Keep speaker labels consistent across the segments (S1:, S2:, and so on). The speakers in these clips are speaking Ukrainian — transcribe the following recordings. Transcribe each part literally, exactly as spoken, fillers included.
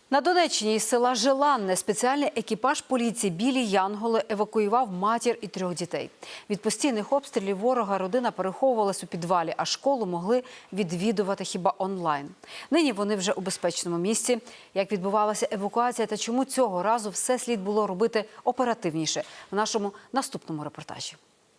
S1: На Донеччині із села Желанне спеціальний екіпаж поліції «Білі Янголи» евакуював матір і трьох дітей. Від постійних обстрілів ворога родина переховувалась у підвалі, а школу могли відвідувати хіба онлайн. Нині вони вже у безпечному місці. Як відбувалася евакуація та чому цього разу все слід було робити оперативніше – в нашому наступному репортажі.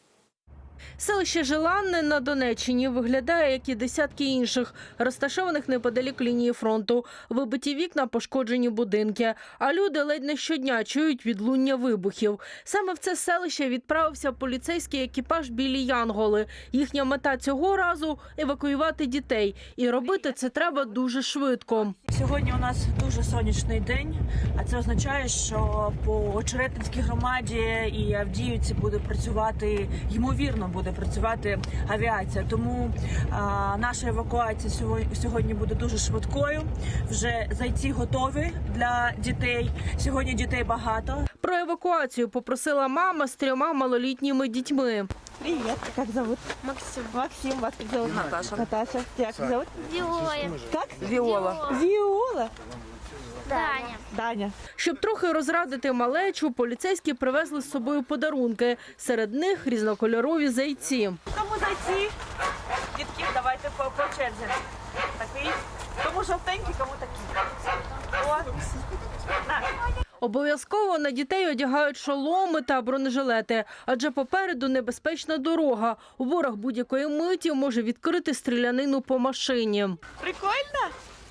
S2: Селище Желанне на Донеччині виглядає, як і десятки інших, розташованих неподалік лінії фронту. Вибиті вікна, пошкоджені будинки. А люди ледь не щодня чують відлуння вибухів. Саме в це селище відправився поліцейський екіпаж «Білі Янголи». Їхня мета цього разу – евакуювати дітей. І робити це треба дуже швидко.
S3: Сьогодні у нас дуже сонячний день, а це означає, що по Очеретинській громаді і Авдіївці буде працювати, ймовірно, буде працювати авіація. Тому а, наша евакуація сьогодні, сьогодні буде дуже швидкою. Вже зайці готові для дітей. Сьогодні дітей багато.
S2: Про евакуацію попросила мама з трьома малолітніми дітьми.
S3: Привіт, як зовут?
S4: Максим.
S3: Максим, вас як зовут?
S4: Наташа.
S3: Наташа, як зовут?
S4: Виола.
S3: Как?
S4: Виола.
S3: Віола.
S4: Даня.
S3: Даня.
S2: Щоб трохи розрадити малечу, поліцейські привезли з собою подарунки. Серед них різнокольорові зайці.
S3: Кому зайці? Дітки, давайте по, по черзі. Такий. Кому жовтенький, кому такий. О. На.
S2: Обов'язково на дітей одягають шоломи та бронежилети, адже попереду небезпечна дорога. Ворог будь-якої миті може відкрити стрілянину по машині.
S3: Прикольно?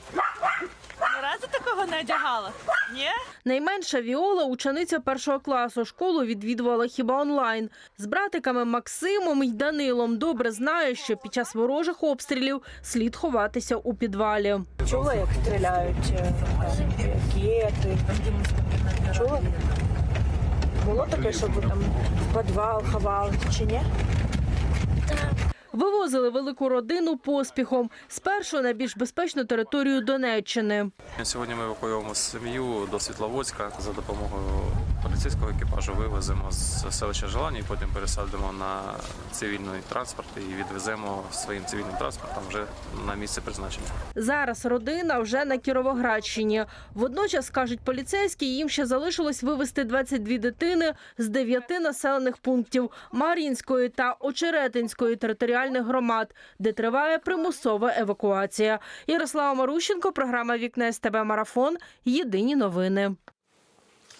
S3: Ні разу такого не одягала? Ні?
S2: Найменша Віола – учениця першого класу. Школу відвідувала хіба онлайн. З братиками Максимом і Данилом добре знає, що під час ворожих обстрілів слід ховатися у підвалі.
S3: Чула, як стріляють е, ракети? Чула? Було таке, щоб ви там в підвал ховалися чи ні?
S2: Вивозили велику родину поспіхом. Спершу на більш безпечну територію Донеччини.
S5: Сьогодні ми евакуюємо сім'ю до Світловодська. За допомогою поліцейського екіпажу вивеземо з селища Желанне і потім пересадимо на цивільний транспорт і відвеземо своїм цивільним транспортом вже на місце призначення.
S2: Зараз родина вже на Кіровоградщині. Водночас, кажуть поліцейські, їм ще залишилось вивезти двадцять дві дитини з дев'яти населених пунктів Мар'їнської та Очеретинської територіальних громад, де триває примусова евакуація. Ярослава Марущенко, програма «Вікне СТБ Марафон». Єдині новини.